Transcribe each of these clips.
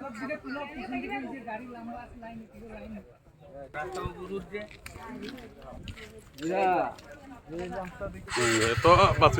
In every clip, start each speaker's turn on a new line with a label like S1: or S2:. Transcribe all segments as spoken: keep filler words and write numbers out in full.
S1: তো বাঁচি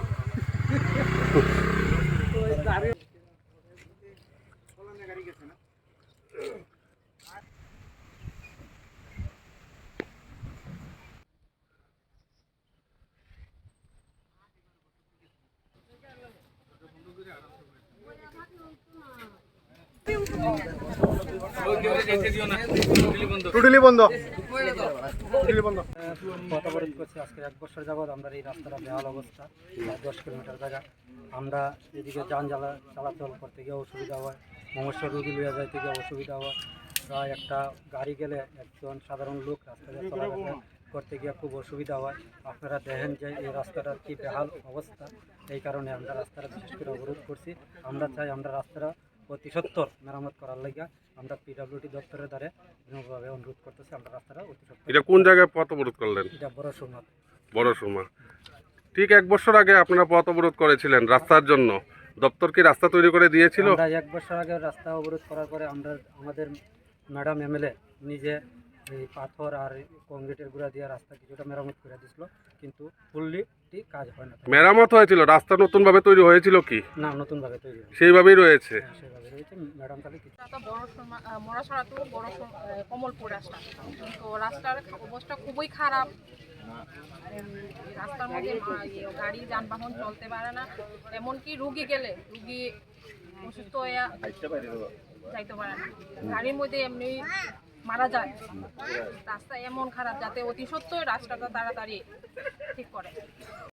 S1: টোটালি বন্ধ টোটালি বন্ধ
S2: পথ অবরোধ করছি আজকে এক বছর যাবৎ। আমরা এই রাস্তাটা বেহাল অবস্থা, দশ কিলোমিটার জায়গা। আমরা এদিকে যান জ্বালা চলাচল করতে গিয়ে অসুবিধা হয়, মমস্য রুগী লইয়া যাইতে গিয়ে অসুবিধা হয়। প্রায় একটা গাড়ি গেলে একজন সাধারণ লোক রাস্তায় চলাফেরা করতে গিয়ে খুব অসুবিধা হয়। আপনারা দেখেন যে এই রাস্তাটার কি বেহাল অবস্থা, এই কারণে আমরা রাস্তাটা বিশেষ করে অবরোধ করছি। আমরা চাই আমরা রাস্তাটা অতি সত্বর মেরামত করার লাগিয়া আমরা পিডব্লিউডি দপ্তরের দ্বারা বিনম্রভাবে অনুরোধ করতেছি। আমরা রাস্তাটা অতি সত্বর।
S1: এটা কোন জায়গায় পথ অবরোধ করলেন?
S2: এটা বড় সুমাত
S1: বড় সুমা। ঠিক এক বছর আগে আপনারা পথ অবরোধ করেছিলেন রাস্তার জন্য, দপ্তর কি রাস্তা তৈরি করে দিয়েছিল?
S2: আমরা এক বছর আগে রাস্তা অবরোধ করার পরে আমরা আমাদের ম্যাডাম এমএলএ নিজে এই পাথর আর কংক্রিটের গুঁড়া দিয়ে রাস্তা কিছুটা মেরামত করে দিয়েছিল, কিন্তু ফুললি কাজ হয় না।
S1: মেরামত হয়েছিল, রাস্তা নতুন ভাবে তৈরি হয়েছিল কি?
S2: না, নতুনভাবে তৈরি হয়েছে,
S1: সেইভাবেই রয়েছে।
S2: হ্যাঁ, সেভাবে রয়েছে। ম্যাডাম খালি কিছু
S3: মরাছড়া তো বড় কমলপুর রাস্তা, তো রাস্তার অবস্থা খুবই খারাপ। রাস্তার মধ্যে গাড়ি যানবাহন চলতে পারে না, এমনকি রুগী গেলে রুগী অসুস্থ হয়ে যাইতে পারে না, গাড়ির মধ্যে এমনি মারা যায়। রাস্তা এমন খারাপ যাতে অতি সত্ত্বই রাস্তাটা তাড়াতাড়ি ঠিক করে।